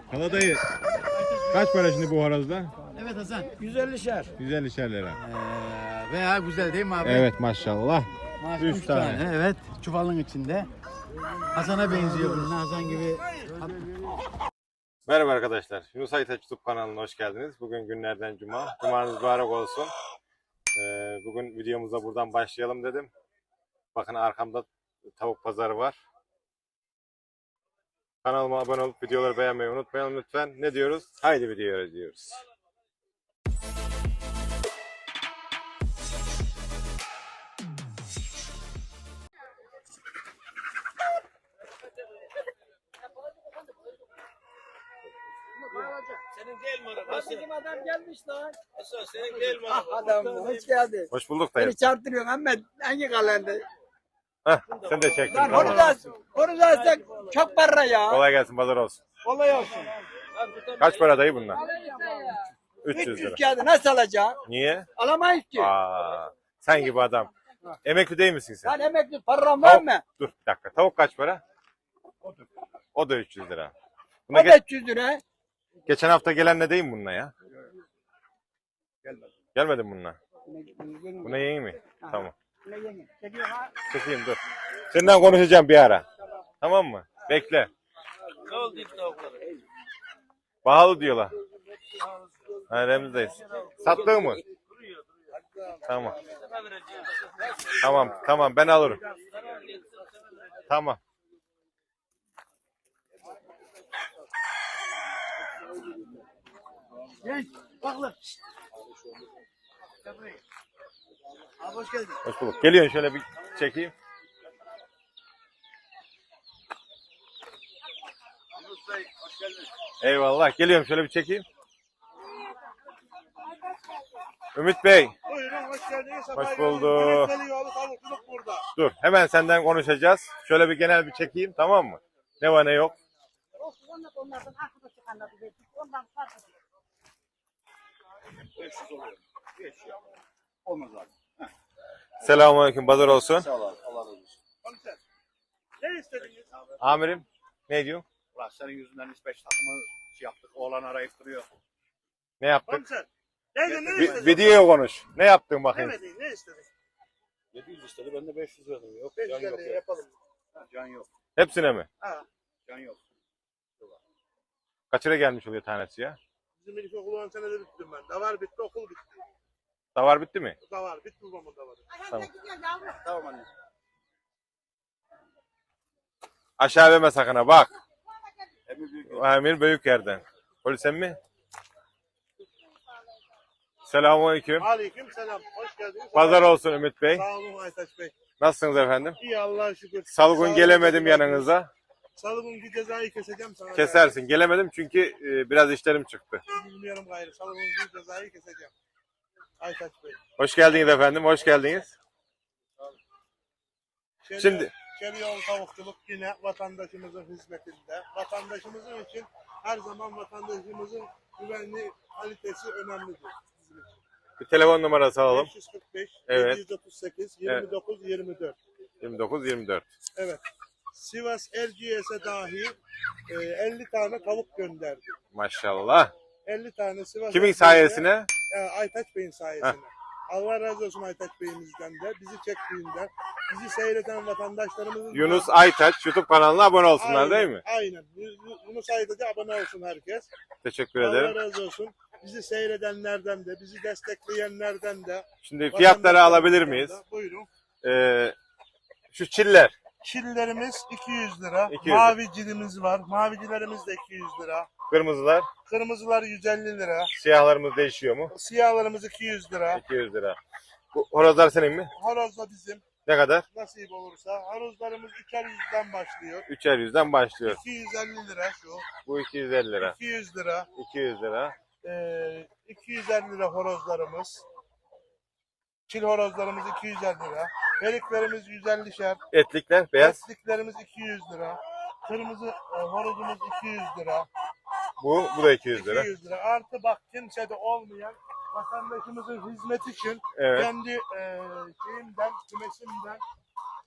Kaladayı kaç para şimdi bu horozda? Evet Hasan. 150'şer. 150'şer lira. Veya güzel değil mi abi? Evet maşallah. Maşallah, 3 üç tane. Evet. Çuvalın içinde. Hasan'a benziyor bunun. Hasan gibi. Merhaba arkadaşlar. Yunus Aytaç YouTube kanalına hoş geldiniz. Bugün günlerden cuma. Cumanız mübarek olsun. Bugün videomuza buradan başlayalım dedim. Bakın arkamda tavuk pazarı var. Kanalıma abone olup videoları beğenmeyi unutmayalım lütfen. Ne diyoruz? Haydi videoya diyoruz. Senin değil mi araba? Bizim adam gelmiş lan. Hasan senin değil mi Ah araba? adam hoş geldin. Hoş bulduk dayı. Beni çarptırıyorsun ama hangi kalende? Heh, sen de çektin. Lan Tamam. onu da çok para ya. Kolay gelsin, pazar olsun. Kolay olsun. Kaç para dayı bunlar? 300 300 lira. kağıdı nasıl alacaksın? Niye? Alamayız ki. Aa, sen gibi adam. Emekli değil misin sen? Lan emekli param var mı? Dur bir dakika. Tavuk kaç para? O da 300 lira. O Buna da 300 lira. geçen hafta gelen ne değil mi bununla ya? Gelmedi mi bununla? Buna yeni mi? Tamam. Çekeyim dur. Senden konuşacağım bir ara. Tamam mı? Bekle. Ne oldu ilk tavukları? Pahalı diyorlar. Ha, Remzi'deyiz. Sattın mı? Tamam. Sana vereceğim. Tamam ben alırım. Tamam. Genç. Bak lan. Abi hoş geldin. Hoş bulduk. Geliyorsun şöyle bir çekeyim. Eyvallah. Geliyorum şöyle bir çekeyim. Ümit Bey. Buyurun hoş geldiniz. Hoş bulduk. Geliyor tavukçuluk burada. Dur. Hemen senden konuşacağız. Şöyle bir genel bir çekeyim. Tamam mı? Ne var ne yok. Onlardan arkadaşı anladı. Ondan farklı. 500 oluyor. 500. Olmaz abi. Selamünaleyküm. Pazar olsun. Sağ ol abi. Allah razı olsun. Komiser. Ne istediniz? Amirim. Ne diyor? Ulan senin yüzünden hiç 5 takımı yaptık. Oğlan arayıp duruyor. Ne yaptık? Komiser. Neydi ne istedin? Videoya konuş. Ne yaptın bakayım? Ne istedin? 700 istedi ben de 500 verdim. Yok 550 yapalım. Can yok. Hepsine mi? Ha. Can yok. Kaç lira gelmiş oluyor tanesi ya? Bizim ilkokulu 10 senede bittim ben. Davar bitti, okul bitti. Davar bitti mi? Davar bitti babamın davarı. Tamam. Tamam anne. Aşağı verme sakın ha bak. Amir büyük yerden. Polis mi? Selamünaleyküm. Aleyküm selam. Hoş geldiniz. Pazar olsun Ümit Bey. Sağ olun Aytaç Bey. Nasılsınız efendim? İyi Allah'a şükür. Salgın Sağ gelemedim olun. yanınıza. Salgın bir cezayı keseceğim sana. Kesersin. Gelemedim çünkü biraz işlerim çıktı. Bilmiyorum gayrı. Salgın bir cezayı keseceğim. Aytaç Bey. Hoş geldiniz efendim. Hoş geldiniz. Şimdi Çeliyoğlu Tavukçuluk yine vatandaşımızın hizmetinde. Vatandaşımızın için her zaman vatandaşımızın güvenli kalitesi önemlidir. Bizim için. bir telefon numarası alalım. 545 Evet. 738 29 24. 29-24. Evet. Sivas Erciyes'e dahi 50 tane tavuk gönderdi. Maşallah. 50 tane Sivas Kimin Erciyes'e, sayesine? Aytaç Bey'in sayesinde. Allah razı olsun Aytaç Bey'imizden de, bizi çektiğinden, bizi seyreden vatandaşlarımızın... Yunus Aytaç YouTube kanalına abone olsunlar değil mi? Aynen. Yunus Aytaç'a abone olsun herkes. Teşekkür Allah ederim. razı olsun. Bizi seyredenlerden de, bizi destekleyenlerden de... Şimdi fiyatları alabilir miyiz? Buyurun. Şu çiller. Çillerimiz 200 lira. 200. Mavi cilimiz var. Mavicilerimiz de 200 lira. Kırmızılar. Kırmızılar 150 lira. Siyahlarımız değişiyor mu? Siyahlarımız 200 lira. 200 lira. Bu horozlar senin mi? Horoz da bizim. Ne kadar? Nasip olursa. Horozlarımız 200'den başlıyor. 3'er yüzden başlıyor. 250 lira şu. Bu 250 lira. 200 lira. 200 lira. 250 lira horozlarımız. Çil horozlarımız 250 lira. Periklerimiz 150'şer. Etlikler beyaz. Etliklerimiz 200 lira. Kırmızı horozumuz 200 lira. Bu da 200 lira. 200 lira. Artı bak kimsede olmayan vatandaşımızın hizmet için Evet. kendi şeyimden, kümesimden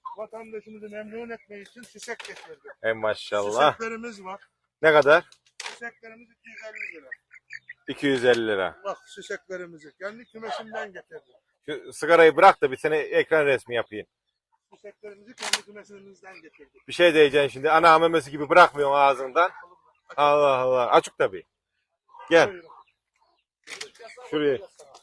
vatandaşımızı memnun etmek için çiçek getirdim. Maşallah. Çiçeklerimiz var. Ne kadar? Süseklerimiz 250 lira. 250 lira. Bak süseklerimizi. Kendi kümesimden getirdim. Şu sigarayı bırak da bir sene ekran resmi yapayım. Süseklerimizi kendi kümesimizden getirdik. Bir şey diyeceksin şimdi. Ana memesi gibi bırakmıyorsun ağzından. Allah Allah. Açık tabii. Gel. Buyurun. Şuraya.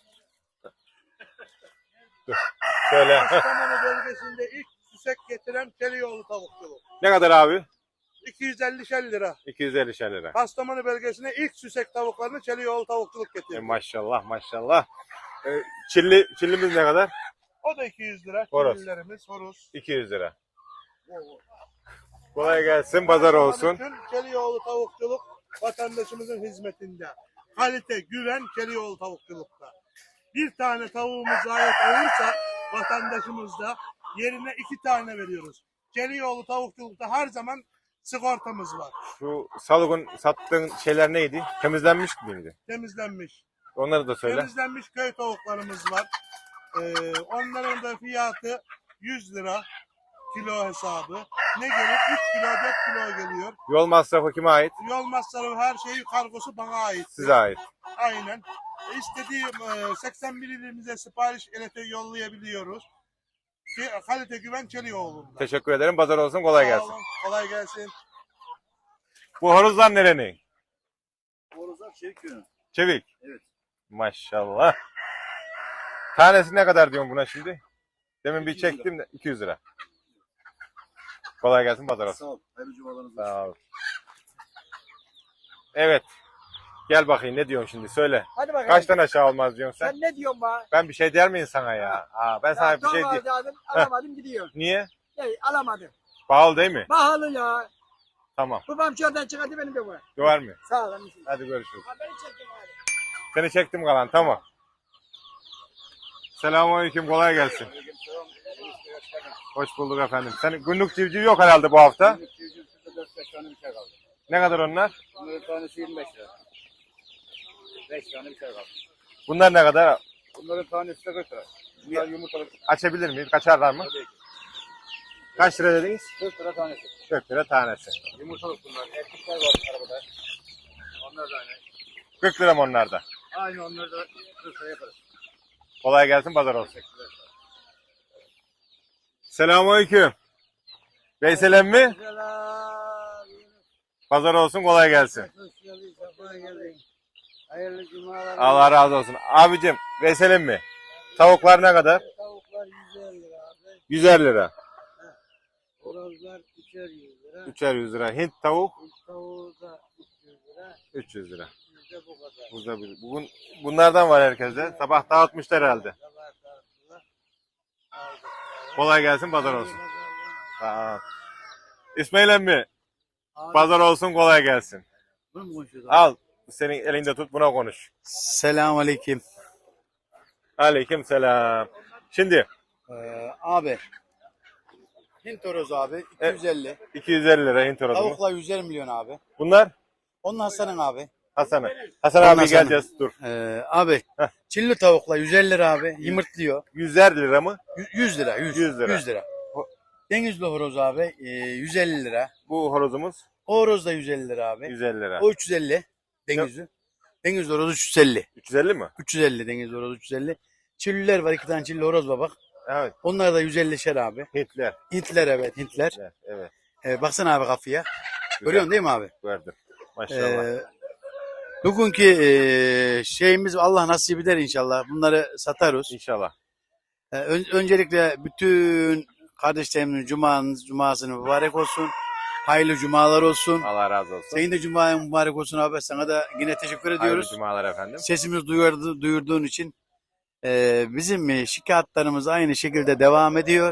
Dur. Şöyle. Kastamonu bölgesinde ilk süsek getiren Kelioğlu tavukçuluk. Ne kadar abi? 250 lira. 250 lira. Kastamonu bölgesine ilk süsek tavuklarını Kelioğlu tavukçuluk getirdi. Maşallah maşallah. Çillimiz ne kadar? O da 200 lira. Horoz. Çillilerimiz, horoz. 200 lira. Kolay gelsin, pazar olsun. Bütün Kelioğlu tavukçuluk vatandaşımızın hizmetinde. Kalite, güven Kelioğlu tavukçulukta. Bir tane tavuğumuz ayet olursa vatandaşımızda yerine 2 tane veriyoruz. Kelioğlu tavukçulukta her zaman sigortamız var. Şu Salık'ın sattığın şeyler neydi? Temizlenmiş miydi? Temizlenmiş. Onları da söyle. Temizlenmiş köy tavuklarımız var. Onların da fiyatı 100 lira kilo hesabı. Ne gelir? 3 kilo 4 kilo geliyor. Yol masrafı kime ait? Yol masrafı her şeyi kargosu bana ait. Size ait. Aynen. İstediğim 81 ilimize sipariş yollayabiliyoruz. Kalite güven Çelioğlu'nda. Teşekkür ederim. Pazar olsun. Kolay Sağ gelsin. olun, kolay gelsin. Bu horozlar nerenin? Horozlar çevik yönü. Çevik. Evet. Maşallah. Tanesi ne kadar diyorsun buna şimdi? Demin bir 200 lira. çektim de 200 lira. Kolay gelsin. Pazar olsun. Sağ ol. Hayırlı cumalarınız olsun. Sağ ol. Evet. Gel bakayım ne diyorsun şimdi söyle. Hadi bakalım. Kaçtan aşağı olmaz diyorsun sen? Sen ne diyorsun bana? Ben bir şey der miyim sana ya? Ben sana bir şey diyeyim. Alamadım gidiyor. Niye? Alamadım. Pahalı değil mi? Pahalı ya. Tamam. Babam şuradan çıkardı benim de bu. Döver mi? Sağ ol anneciğim. Hadi görüşürüz. Haberi çektim hadi. Seni çektim kalan tamam. Selamünaleyküm kolay gelsin. Hoş bulduk efendim. Senin günlük civciv yok herhalde bu hafta. Günlük civciv şurada 4-5 tane bir şey kaldı. Ne kadar onlar? Bunların tanesi 25 lira. 5 tane bir şey kaldı. Bunlar ne kadar? Bunların tanesi de 40 lira. Bunlar yumurtalık. Açabilir miyiz? Kaçarlar mı? Tabii ki. Kaç lira dediniz? 40 lira tanesi. 40 lira tanesi. Yumurtalık bunlar. Erkekler var arabada. Onlar da aynı. 40 lira mı onlar da? Aynı onları da 40 lira yaparız. Kolay gelsin pazar olsun. Selamünaleyküm. Veysel emmi? Pazar olsun kolay gelsin. Hoş geldin, sefa geldin. Hayırlı cumalar. Allah razı olsun. Abicim Veysel emmi. Tavuklar ne kadar? Tavuklar 150 lira abi. 150 lira. Horozlar 3'er 100 lira. 3'er 100 lira. Hint tavuk Tavuğu da 300 lira. 300 lira. Bizde bu kadar. Burada bugün bunlardan var herkeste. Sabah dağıtmışlar herhalde. Sabah tartılar. Aldık. Kolay gelsin pazar olsun. Sağ ol. İsmail emmi. Pazar olsun kolay gelsin. Bunu mu konuşuyoruz? Al. Senin elinde tut buna konuş. Selamünaleyküm. Aleyküm selam. Şimdi Abi. Hint horozu abi 250. 250 lira Hint horozumuz. Tavuklar 150 milyon abi. Bunlar Onun Hasan'ın abi. Hasan'a. Hasan Ondan abi sonra- geleceğiz dur. Abi. Heh. Çilli tavuklar 150 lira abi. Yumurtluyor. 100'er lira mı? 100 lira. 100 lira. 100 lira. Denizli horoz abi 150 lira. Bu horozumuz O horoz da 150 lira abi. 150 lira. O 350. Denizli. Denizli horoz 350. 350 mi? 350 denizli horoz 350. Çilliler var 2 tane çilli horoz var bak. Evet. Onlar da 150'şer abi. Hintler. Hintler evet Hintler. Evet. Baksana abi kafaya. Güzel. Görüyorsun değil mi abi? Gördüm. Maşallah. Bugünkü şeyimiz Allah nasip eder inşallah. Bunları satarız. İnşallah. Öncelikle bütün kardeşlerimin cumasını mübarek olsun. Hayırlı cumalar olsun. Allah razı olsun. Senin de cuman mübarek olsun abi. Sana da yine teşekkür Hayırlı ediyoruz. cumalar efendim. Sesimizi duyurduğun için. Bizim şikayetlerimiz aynı şekilde devam ediyor.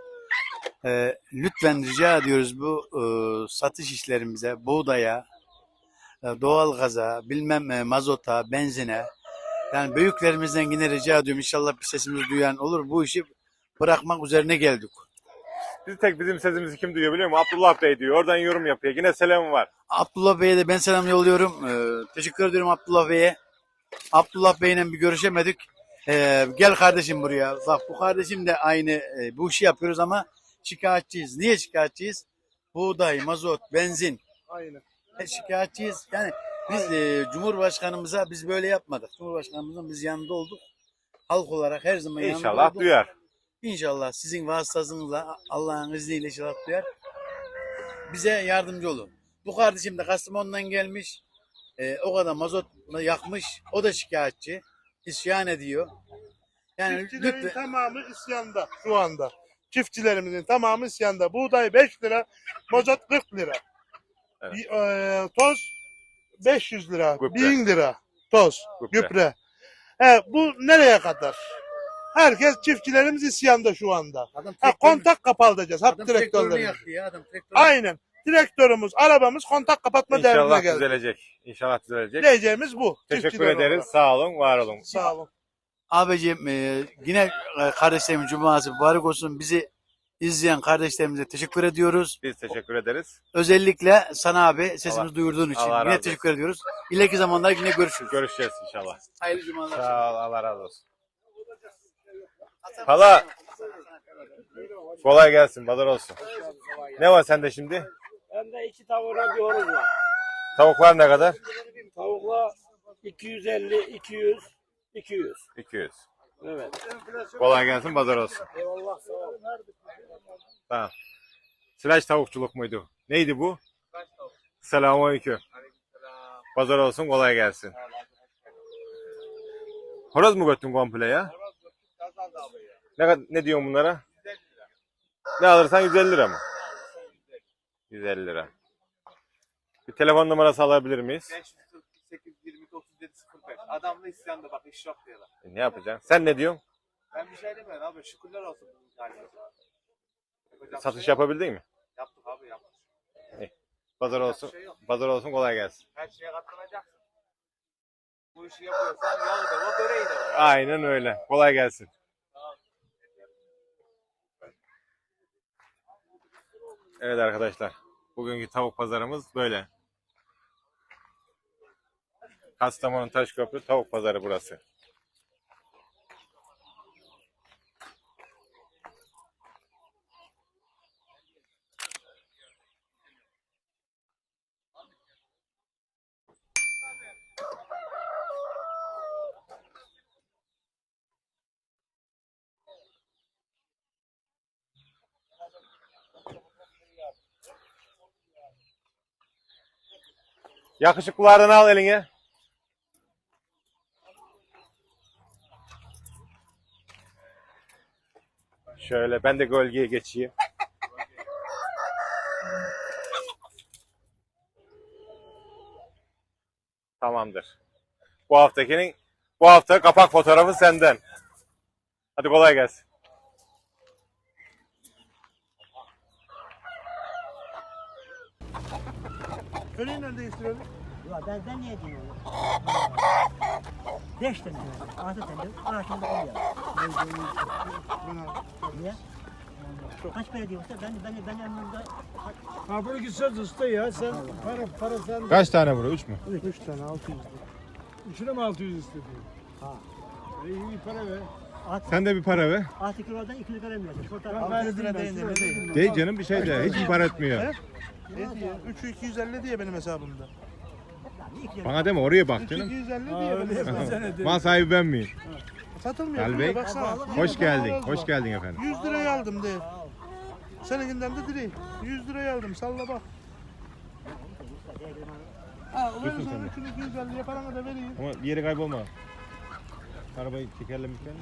Lütfen rica ediyoruz bu satış işlerimize, buğdaya, doğalgaza, mazota, benzine. Yani büyüklerimizden yine rica ediyorum. İnşallah bir sesimizi duyan olur. Bu işi bırakmak üzerine geldik. Bizim sesimizi kim duyuyor biliyor musun? Abdullah Bey diyor. Oradan yorum yapıyor. Yine selam var. Abdullah Bey'e de ben selam yolluyorum. Teşekkür ediyorum Abdullah Bey'e. Abdullah Bey'le bir görüşemedik. Gel kardeşim buraya. Bak bu kardeşim de aynı bu işi yapıyoruz ama şikayetçiyiz. Niye şikayetçiyiz? Buğday, mazot, benzin. Aynen. Şikayetçiyiz. Yani biz Cumhurbaşkanımıza biz böyle yapmadık. Cumhurbaşkanımızın biz yanında olduk. Halk olarak her zaman yanında İnşallah olduk. duyar. İnşallah sizin vasıtasınızla Allah'ın izniyle inşallah duyar. Bize yardımcı olun. Bu kardeşim de Kastamonu'dan gelmiş. O kadar mazot yakmış. O da şikayetçi. İsyan ediyor. Yani Çiftçilerin lütfen tamamı isyanda şu anda. Çiftçilerimizin tamamı isyanda. Buğday 5 lira, mazot 40 lira. Evet. Toz 500 lira, Gübre. 1000 lira toz, Gübre. gübre. Bu nereye kadar? Herkes çiftçilerimiz isyanda şu anda. adam Kontak kapatacağız. Hap adam traktörünü traktörlerimiz. yaktı ya. Adam traktörünü Aynen. Traktörümüz, arabamız kontak kapatma derdine İnşallah geldi. düzelecek. İnşallah düzelecek. Diyeceğimiz bu. Teşekkür Çiftçiler ederiz. olarak. Sağ olun, var olun. Sağ olun. Abicim yine kardeşlerimin cuması mübarek olsun. Bizi izleyen kardeşlerimize teşekkür ediyoruz. Biz teşekkür ederiz. Özellikle sana abi sesimizi Allah- duyurduğun için Allah razı yine olsun. teşekkür ediyoruz. İleriki zamanlar yine görüşürüz. Görüşeceğiz inşallah. Hayırlı cumalar. Sağ ol, Allah razı olsun. Hala kolay gelsin, pazar olsun. Ne var sende şimdi? Bende 2 tavuğuna bir horoz var. Tavuklar ne kadar? Tavukla 250, 200, 200. 200. Evet. Kolay gelsin, pazar olsun. Eyvallah sağ ol. Tamam. Sıraç tavukçuluk muydu? Neydi bu? Selamünaleyküm. Pazar olsun, kolay gelsin. Horoz mu götün komple ya? Ne diyorsun bunlara? Ne alırsan 150 lira mı? 150 lira. Bir telefon numarası alabilir miyiz? 548 22 37 05. Adamla isyanda bak iş yok diyorlar. Ne yapacaksın? Sen ne diyorsun? Ben bir şey demiyorum abi. Şükürler olsun bunun halimize. Yapacak Satış bir şey yok. yapabildin mi? Yaptık abi yaptık. Pazar olsun. Pazar olsun, kolay gelsin. Her şeye katlanacaksın. Bu işi yapıyorsan yağı da var, böreği de var. Aynen öyle. Kolay gelsin. Evet arkadaşlar. Bugünkü tavuk pazarımız böyle. Kastamonu Taşköprü tavuk pazarı burası. Yakışıklılardan al eline. Şöyle ben de gölgeye geçeyim. Tamamdır. Bu hafta kapak fotoğrafı senden. Hadi kolay gelsin. Köleyi nerede değiştirelim? Ya ben niye diyeyim onu? 5 tane, 6 tane, ağaçında oluyor. Niye? Kaç para diyorsa ben yanımda Ha bunu gitseniz usta ya sen para sen Kaç tane burada? 3 mü? 3 tane 600 lira. üçüne mi 600 istedi? Ha. İyi para ver. Sen de bir para ver. 6 kilodan 2 lira vermiyorsun. Şurada 600 lira değil de ne değil. Değil canım bir şey de. Hiç mi para etmiyor? Ne diyor? 3'ü 250 diye benim hesabımda. Bana deme oraya bak 3'ü canım. 250 Ha, diye benim öyle hesabımda. yapsana de. Mal sahibi ben miyim? Satılmıyor. Ali Bey, Bey, baksana. hoş geldin. Hoş geldin efendim. 100 liraya aldım de. Seninkinden de direkt 100 liraya aldım. Salla bak. Ha, Diyorsun verirsen sen de. 3'ünü 250'ye paranı da vereyim. Ama bir yeri kaybolma. Arabayı tekerlemişken.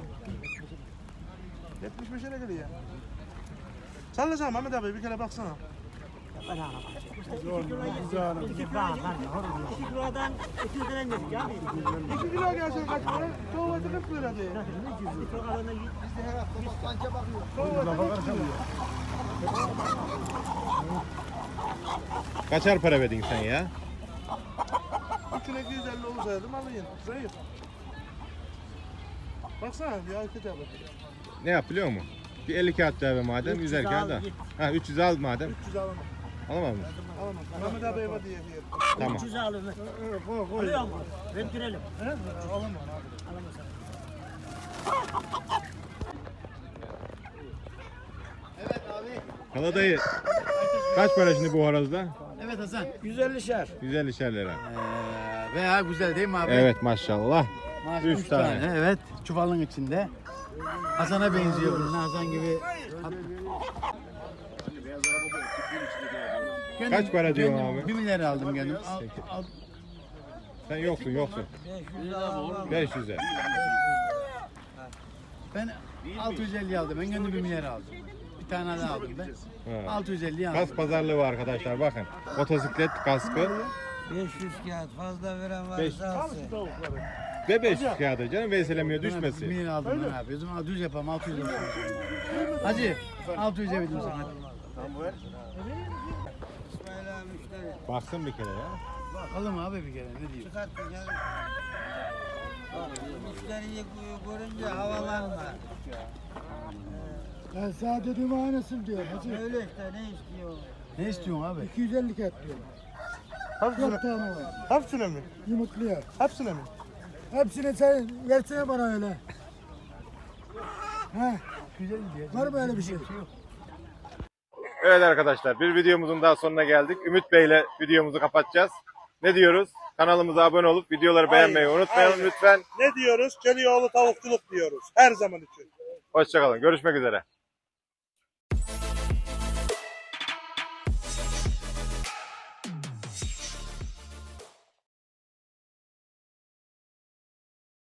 75 lira geliyor. Sallasana Mehmet abi bir kere baksana. 2 kilodan 2 lira vermiyorsun ya. 2 kilo gelsin kaç para? Çoğu 40 lira diye. 100 lira alana 100 Kaçar para verdin sen ya? 3'üne 250 olsaydım alayım. Zayıf. Baksana bir Aykut abi. Ne yap biliyor musun? Bir 50 kağıt daha ver madem 300 100 kağıt al, da. git. Ha 300 al madem. 300 alamam. Alamaz mı? Alamam. Mehmet abi eve diye diyor. Tamam. 300 alır. Alıyor mu? Verdirelim. Alamam. Alamazsan. Hala dayı. Kaç para şimdi bu horozda? Evet Hasan. 150'şer. 150'şer lira. Veya güzel değil mi abi? Evet maşallah. Maşallah, üç üç tane. Evet. Çuvalın içinde. Hasan'a benziyor bunun. Hasan gibi. Kaç para diyorsun abi? 1 milyar aldım kendim. Sen yoksun. 500'e. Ben 650 aldım. Ben kendim 1 milyar aldım. Bir tane daha aldım ben. Ha. 650 aldım. Kas pazarlığı var arkadaşlar bakın. Motosiklet kaskı 500 kağıt fazla veren Beş- varsa alsın. ve 500 kağıdı canım veyselemiyor 1 düşmesin. milyar aldım ben abi. O zaman 600 yapalım. 600 olsun. Hacı 600 verdim sana. İsmail abi müşteri. Baksın bir kere ya. Bakalım abi bir kere ne diyor. Çıkarttın ya. Bak, müşteriyi görünce havalanma. Ben sana dediğim aynısını diyor. Hacı. Öyle işte ne istiyor? Ne istiyorsun abi? 250 kat diyor. 4 Hepsine, tane var. hepsine mi? Yumurtluyor. Hepsine mi? Hepsini sen versene bana öyle. He, Güzel diyor. var mı öyle bir şey? Evet arkadaşlar bir videomuzun daha sonuna geldik. Ümit Bey ile videomuzu kapatacağız. Ne diyoruz? Kanalımıza abone olup videoları beğenmeyi unutmayalım aynen. lütfen. Ne diyoruz? Çelioğlu tavukçuluk diyoruz. Her zaman için. Hoşçakalın. Görüşmek üzere.